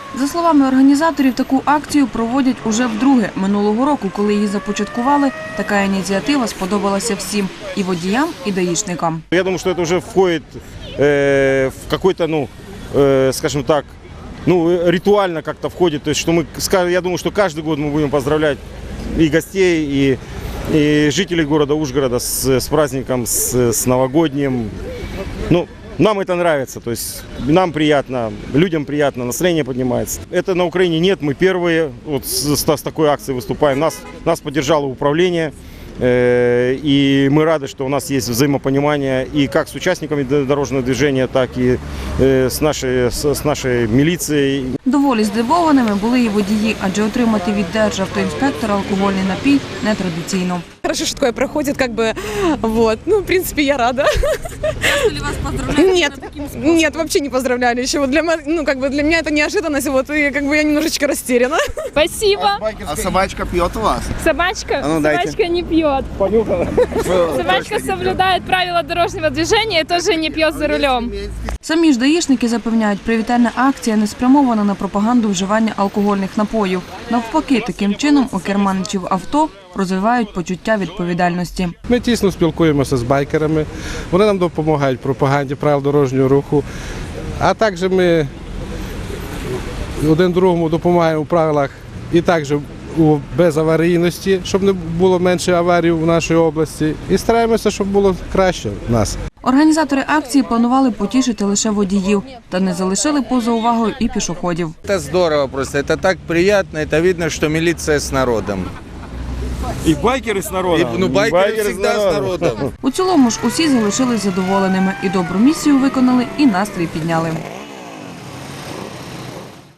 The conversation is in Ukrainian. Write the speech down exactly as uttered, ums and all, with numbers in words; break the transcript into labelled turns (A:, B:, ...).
A: За словами організаторів, таку акцію проводять уже вдруге. Минулого року, коли її започаткували, така ініціатива сподобалася всім – і водіям, і даїшникам.
B: Я думаю, що це вже входить э, в какой-то, ну, э, скажем так, ну, ритуально как-то входит. То есть, что мы, я думаю, что каждый год мы будем поздравлять и гостей, и, и жителей города Ужгорода с, с праздником, с, с новогодним. Ну, нам это нравится, то есть нам приятно, людям приятно, настроение поднимается. Это на Украине нет, мы первые вот с, с такой акцией выступаем. Нас, нас поддержало управление, э, и мы рады, что у нас есть взаимопонимание и как с участниками дорожного движения, так и э, с, нашей, с, с нашей милицией.
A: Доволі здивованими були і водії, адже отримати від державтоінспектора алкогольний напій нетрадиційно.
C: Хорошо, что такое проходит, как бы, вот, ну, в принципе, я рада.
D: Ли вас поздравляют?
C: Нет, нет, вообще не поздравляли еще. Вот для, ну, как бы для меня это неожиданность, вот, и как бы я немножечко растеряна.
E: Спасибо.
F: А собачка пьет у вас?
E: Собачка,
F: А ну, дайте.
E: собачка не пьет. Собачка соблюдает правила дорожного движения и тоже не пьет за рулем.
A: Самі ж даїшники запевняють, привітальна акція не спрямована на пропаганду вживання алкогольних напоїв. Навпаки, таким чином у керманичів авто розвивають почуття відповідальності.
G: Ми тісно спілкуємося з байкерами, вони нам допомагають в пропаганді правил дорожнього руху, а також ми один другому допомагаємо у правилах і також у безаварійності, щоб не було менше аварій в нашій області, і стараємося, щоб було краще в нас.
A: Організатори акції планували потішити лише водіїв, та не залишили поза увагою і пішоходів.
H: Это здорово просто, это так приятно, это видно, что милиция с народом.
B: И байкеры с народом.
H: И, ну, байкеры, байкеры всегда с народом.
A: У цілому ж усі залишились задоволеними і добру місію виконали, і настрій підняли.